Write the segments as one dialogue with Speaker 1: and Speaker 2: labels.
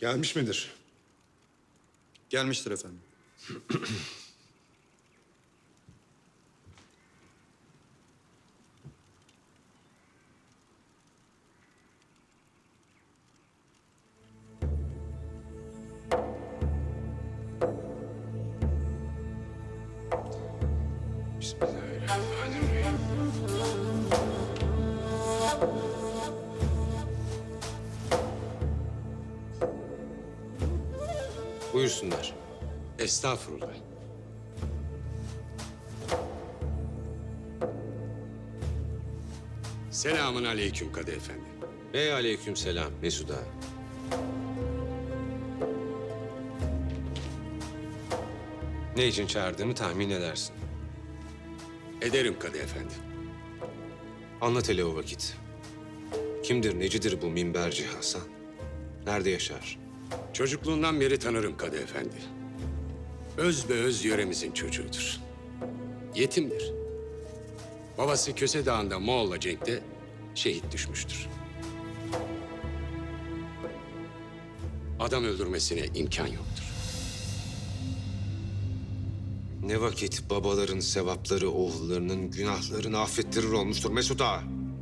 Speaker 1: Gelmiş midir?
Speaker 2: Gelmiştir efendim.
Speaker 3: Bismillahirrahmanirrahim. Buyursunlar.
Speaker 4: Estağfurullah. Selamun aleyküm Kadı Efendi.
Speaker 3: Ve aleykümselam Mesut Ağa. Ne için çağırdığımı tahmin edersin.
Speaker 4: Ederim Kadı Efendi.
Speaker 3: Anlat hele o vakit. Kimdir, necidir bu minberci Hasan? Nerede yaşar?
Speaker 4: Çocukluğundan beri tanırım Kadı Efendi. Öz be öz yöremizin çocuğudur. Yetimdir. Babası Köse Dağı'nda Moğol'la cenkte şehit düşmüştür. Adam öldürmesine imkan yoktur.
Speaker 3: Ne vakit babaların sevapları oğullarının günahlarını affettirir olmuştur Mesut Ağa.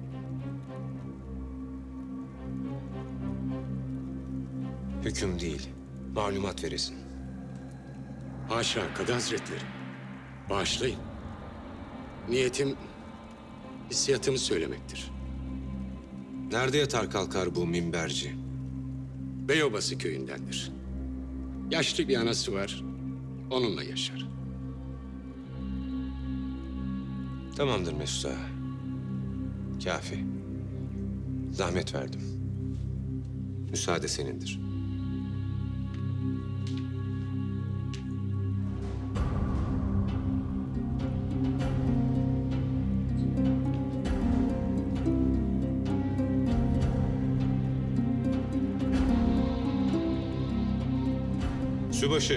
Speaker 3: Hüküm değil, malumat veresin.
Speaker 4: Haşa Kadı Hazretleri. Bağışlayın. Niyetim hissiyatımı söylemektir.
Speaker 3: Nerede yatar kalkar bu minberci?
Speaker 4: Beyobası köyündendir. Yaşlı bir anası var, onunla yaşar.
Speaker 3: Tamamdır Mesut Ağa. Kafi. Zahmet verdim. Müsaade senindir. Sübaşı.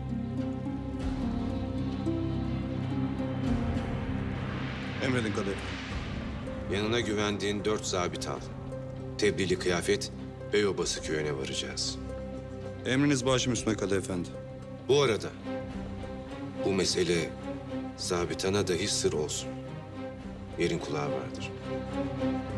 Speaker 2: Emredin Kadı Efendi.
Speaker 3: Yanına güvendiğin 4 zabit al. Tebliğli kıyafet Beyobası köyüne varacağız.
Speaker 2: Emriniz başım üstüne Kadı Efendi.
Speaker 3: Bu arada bu mesele zabitana dahi sır olsun. Yerin kulağı vardır.